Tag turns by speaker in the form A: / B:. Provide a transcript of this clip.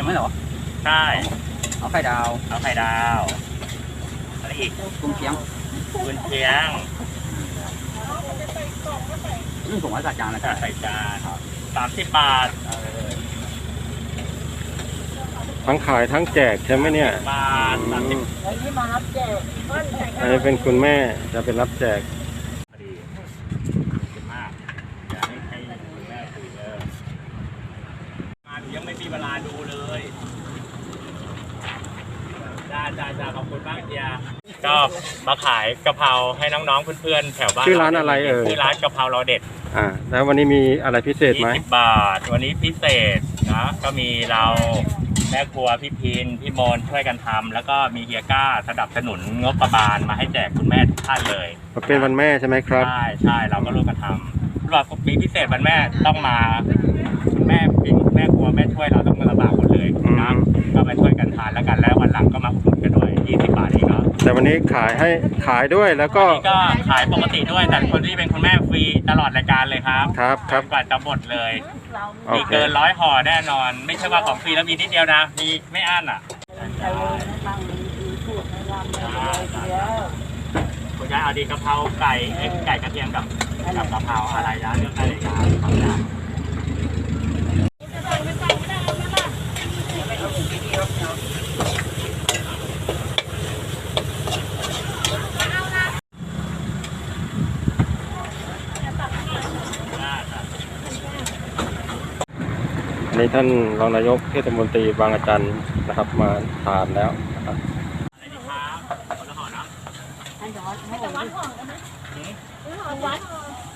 A: ไหมเหรอ
B: ใช่
A: เอาไข่ดาว
B: อะไรอีก
A: กุ้งเชียง
B: กุนเชียง
A: ผมว่าใส่จานนะ
B: ใส่จาน30 บาท
C: ทั้งขายทั้งแจกใช่ไหมเนี่ย
B: บาท30
D: อันนี้มารับแจก
C: อันนี้เป็นคุณแม่จะเป็นรับแจก
B: พอดีมากอยากให้คุณแม่คุยมายังไม่มีเวลาดูเลยจ้าขอบคุณมากเดียก็มาขายกะเพราให้น้องๆเพื่อนๆแถวบ้าน
C: ชื่อร้านอะไร
B: ชื่อร้านกะเพราเราเด็ด
C: แล้ววันนี้มีอะไรพิเศษไหม
B: 20 บาทวันนี้พิเศษนะก็มีเราแม่ครัวพี่พินพี่มนช่วยกันทำแล้วก็มีเฮียก้าสนับสนุนงบประมาณมาให้แจกคุณแม่ทุกท่านเลย
C: เป็นวันแม่ใช่ไหมครับ
B: ใช่เราก็ร่วมกันทำรอบปีพิเศษวันแม่ต้องมาคุณแม่พินแม่ครัวแม่ช่วยเราต้องมาลำบากหมดเลยนะก็มาช่วยกันทานแล้วกันแล้ววันหลังก็มาอุดหนุนกันด้วย20 บาทเองเนาะ
C: แต่วันนี้ขายด้วยแล้วก็
B: ขายปกติด้วยแต่คนที่เป็นคุณแม่ฟรีตลอดรายการเลยครับ
C: ครับ
B: กว่าจะหมดเลยมีเกิน100 ห่อแน่นอนไม่ใช่ว่าของฟรีแล้วมีนิดเดียวนะมีไม่อั้นอ่ะคุณยายเอาดีกะเพราไก่กระเทียมกับกะเพราอะไรนะเรื่องอะไรนะ
C: อันนี้ท่านรองนายกเทศมนตรีบางอาจารย์นะครับมาทานแล้วนะครับ
B: อะไรดีครับคนละห่อนะ
D: ให้วัดห่อกันไหมวัด